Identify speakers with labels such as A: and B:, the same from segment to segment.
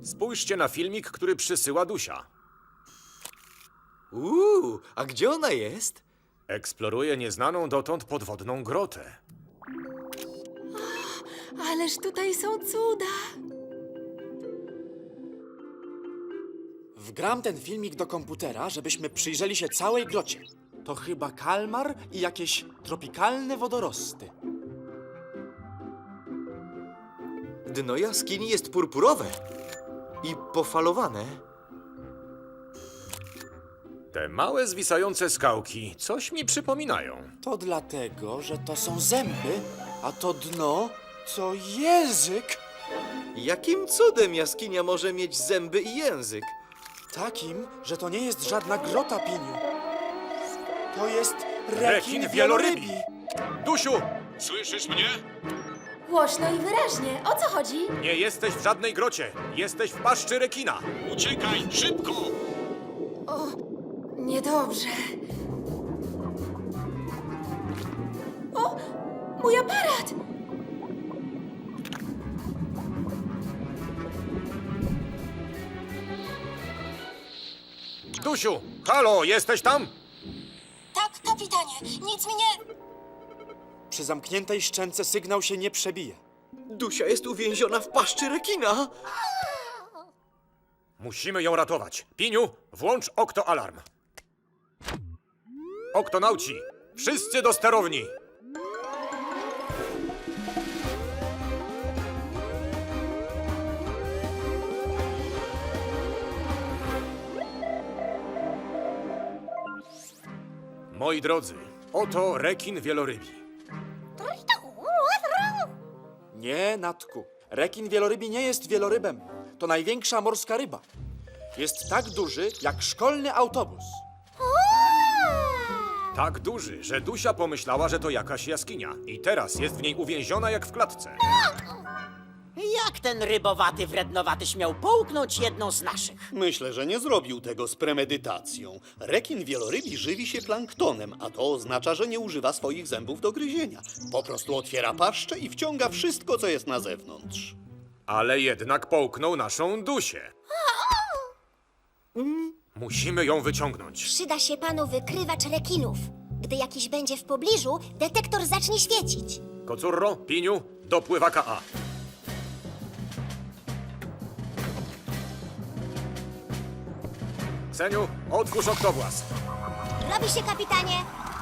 A: Spójrzcie na filmik, który przysyła Dusia.
B: A gdzie ona jest?
A: Eksploruje nieznaną dotąd podwodną grotę.
C: Ależ tutaj są cuda.
D: Wgram ten filmik do komputera, żebyśmy przyjrzeli się całej grocie. To chyba kalmar i jakieś tropikalne wodorosty.
B: Dno jaskini jest purpurowe i pofalowane.
A: Te małe, zwisające skałki coś mi przypominają.
D: To dlatego, że to są zęby, a to dno to język.
B: Jakim cudem jaskinia może mieć zęby i język?
D: Takim, że to nie jest żadna grota, Piniu. To jest
A: Rekin
D: rekin
A: wielorybi.
D: wielorybi.
A: Dusiu! Słyszysz mnie?
C: Głośno i wyraźnie. O co chodzi?
A: Nie jesteś w żadnej grocie. Jesteś w paszczy rekina. Uciekaj, szybko!
C: Niedobrze. O, mój aparat!
A: Dusiu! Halo, jesteś tam?
E: Tak, kapitanie, nic mi nie...
D: Przy zamkniętej szczęce sygnał się nie przebije.
B: Dusia jest uwięziona w paszczy rekina.
A: Musimy ją ratować. Piniu, włącz oktoalarm. Oktonauci, wszyscy do sterowni. Moi drodzy, oto rekin wielorybi.
D: Nie, Natku. Rekin wielorybi nie jest wielorybem. To największa morska ryba. Jest tak duży, jak szkolny autobus.
A: Tak duży, że Dusia pomyślała, że to jakaś jaskinia. I teraz jest w niej uwięziona jak w klatce.
F: Jak ten rybowaty, wrednowaty śmiał połknąć jedną z naszych?
G: Myślę, że nie zrobił tego z premedytacją. Rekin wielorybi żywi się planktonem, a to oznacza, że nie używa swoich zębów do gryzienia. Po prostu otwiera paszczę i wciąga wszystko, co jest na zewnątrz.
A: Ale jednak połknął naszą Dusię. Musimy ją wyciągnąć.
E: Przyda się panu wykrywacz rekinów. Gdy jakiś będzie w pobliżu, detektor zacznie świecić.
A: Kocurro, Piniu, do pływaka A. Seniu, otwórz oktowłas.
E: Robi się, kapitanie.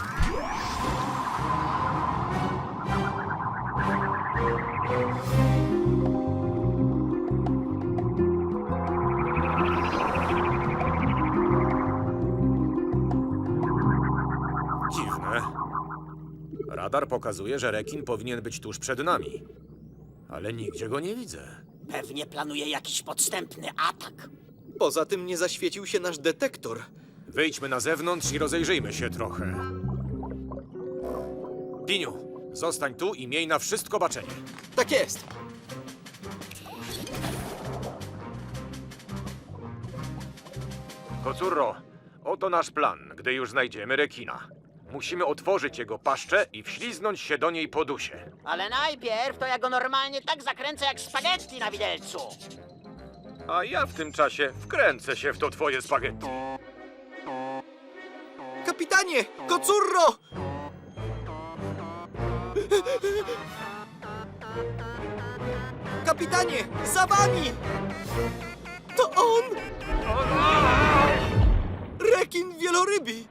A: Dziwne. Radar pokazuje, że rekin powinien być tuż przed nami. Ale nigdzie go nie widzę.
F: Pewnie planuje jakiś podstępny atak.
B: Poza tym nie zaświecił się nasz detektor.
A: Wyjdźmy na zewnątrz i rozejrzyjmy się trochę. Piniu, zostań tu i miej na wszystko baczenie.
B: Tak jest.
A: Kocurro, oto nasz plan, gdy już znajdziemy rekina. Musimy otworzyć jego paszczę i wśliznąć się do niej po dusie.
F: Ale najpierw to ja go normalnie tak zakręcę jak spaghetti na widelcu.
A: A ja w tym czasie wkręcę się w to twoje spaghetti.
B: Kapitanie! Kocurro! Kapitanie! Za wami! To on! Rekin wielorybi!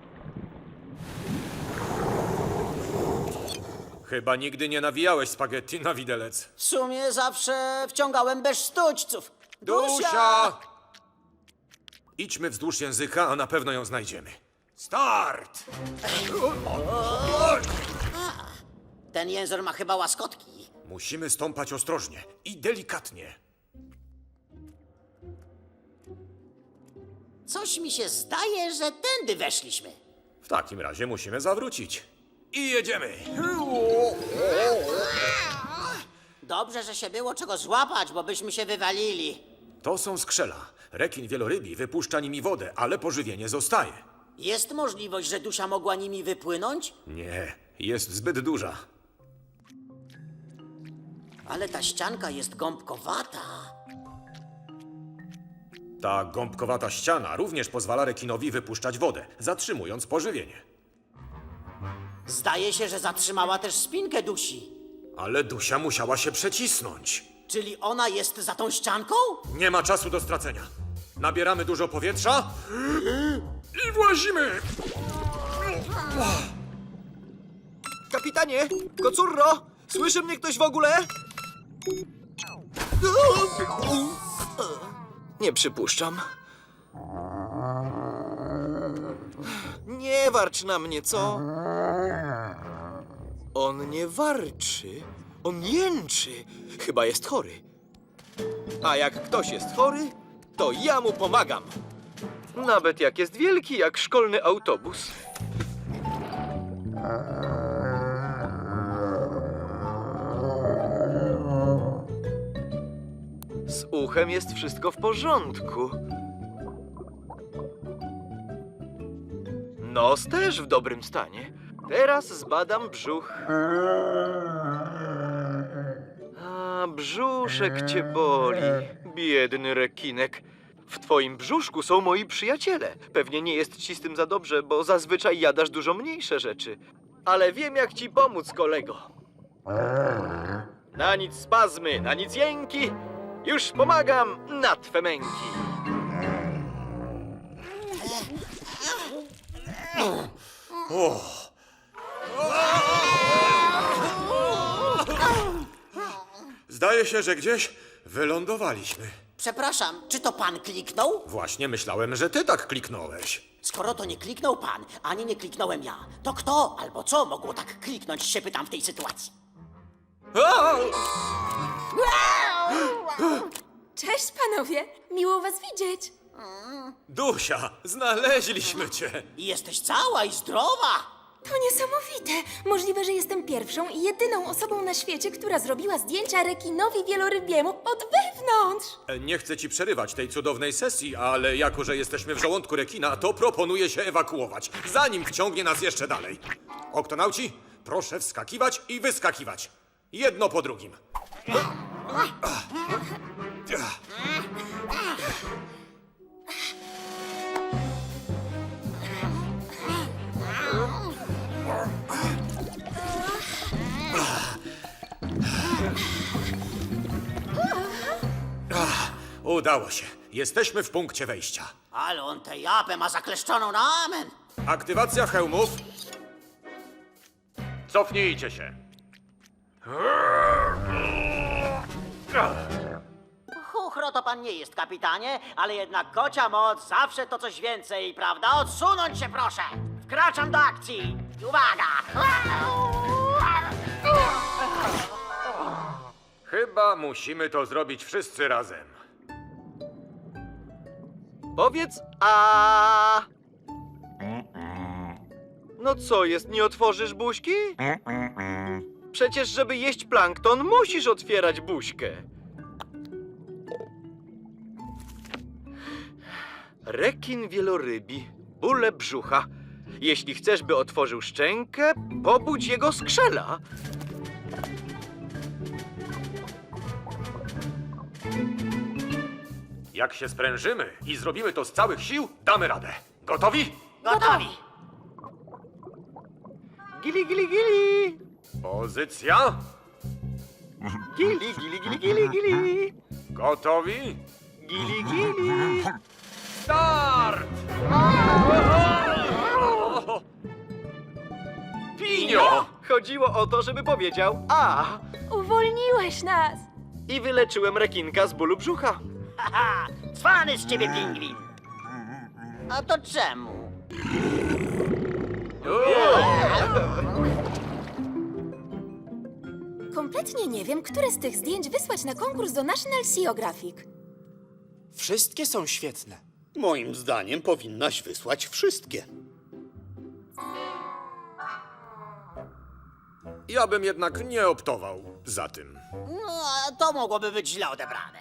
A: Chyba nigdy nie nawijałeś spaghetti na widelec.
F: W sumie zawsze wciągałem bez sztućców.
A: Dusia! Idźmy wzdłuż języka, a na pewno ją znajdziemy. Start!
F: Ten język ma chyba łaskotki.
A: Musimy stąpać ostrożnie i delikatnie.
F: Coś mi się zdaje, że tędy weszliśmy.
A: W takim razie musimy zawrócić. I jedziemy!
F: Dobrze, że się było czego złapać, bo byśmy się wywalili.
A: To są skrzela. Rekin wielorybi wypuszcza nimi wodę, ale pożywienie zostaje.
F: Jest możliwość, że Dusia mogła nimi wypłynąć?
A: Nie, jest zbyt duża.
F: Ale ta ścianka jest gąbkowata.
A: Ta gąbkowata ściana również pozwala rekinowi wypuszczać wodę, zatrzymując pożywienie.
F: Zdaje się, że zatrzymała też spinkę Dusi.
A: Ale Dusia musiała się przecisnąć.
F: Czyli ona jest za tą ścianką?
A: Nie ma czasu do stracenia. Nabieramy dużo powietrza i włazimy!
B: Kapitanie! Kocurro! Słyszy mnie ktoś w ogóle? Nie przypuszczam. Nie warcz na mnie, co? On nie warczy. On jęczy. Chyba jest chory. A jak ktoś jest chory, to ja mu pomagam. Nawet jak jest wielki, jak szkolny autobus. Z uchem jest wszystko w porządku. Nos też w dobrym stanie. Teraz zbadam brzuch. A, brzuszek cię boli, biedny rekinek. W twoim brzuszku są moi przyjaciele. Pewnie nie jest ci z tym za dobrze, bo zazwyczaj jadasz dużo mniejsze rzeczy. Ale wiem, jak ci pomóc, kolego. Na nic spazmy, na nic jęki. Już pomagam na twe męki.
A: Zdaje się, że gdzieś wylądowaliśmy.
F: Przepraszam, czy to pan kliknął?
A: Właśnie myślałem, że ty tak kliknąłeś.
F: Skoro to nie kliknął pan, ani nie kliknąłem ja, to kto albo co mogło tak kliknąć, się pytam w tej sytuacji.
C: Cześć, panowie. Miło was widzieć.
A: Dusia, znaleźliśmy cię.
F: I jesteś cała i zdrowa.
C: To niesamowite. Możliwe, że jestem pierwszą i jedyną osobą na świecie, która zrobiła zdjęcia rekinowi wielorybiemu od wewnątrz.
A: Nie chcę ci przerywać tej cudownej sesji, ale jako, że jesteśmy w żołądku rekina, to proponuję się ewakuować, zanim wciągnie nas jeszcze dalej. Oktonauci, proszę wskakiwać i wyskakiwać. Jedno po drugim. Udało się. Jesteśmy w punkcie wejścia.
F: Ale on tę japę ma zakleszczoną na amen.
A: Aktywacja hełmów. Cofnijcie się.
F: Chuchro to pan nie jest, kapitanie, ale jednak kocia moc zawsze to coś więcej, prawda? Odsunąć się proszę! Wkraczam do akcji! Uwaga!
A: Chyba musimy to zrobić wszyscy razem.
B: Powiedz a. No co jest, nie otworzysz buźki? Przecież, żeby jeść plankton, musisz otwierać buźkę. Rekin wielorybi, bóle brzucha. Jeśli chcesz, by otworzył szczękę, pobudź jego skrzela.
A: Jak się sprężymy i zrobimy to z całych sił, damy radę. Gotowi?
F: Gotowi!
B: Gili, gili, gili.
A: Pozycja.
B: Gili, gili, gili, gili, gili.
A: Gotowi?
B: Gili, gili.
A: Start! Pinio!
B: Chodziło o to, żeby powiedział a.
C: Uwolniłeś nas.
B: I wyleczyłem rekinka z bólu brzucha.
F: Haha! Cwany z ciebie pingwin! A to czemu?
C: Kompletnie nie wiem, które z tych zdjęć wysłać na konkurs do National Geographic.
D: Wszystkie są świetne.
G: Moim zdaniem powinnaś wysłać wszystkie.
A: Ja bym jednak nie optował za tym.
F: No, to mogłoby być źle odebrane.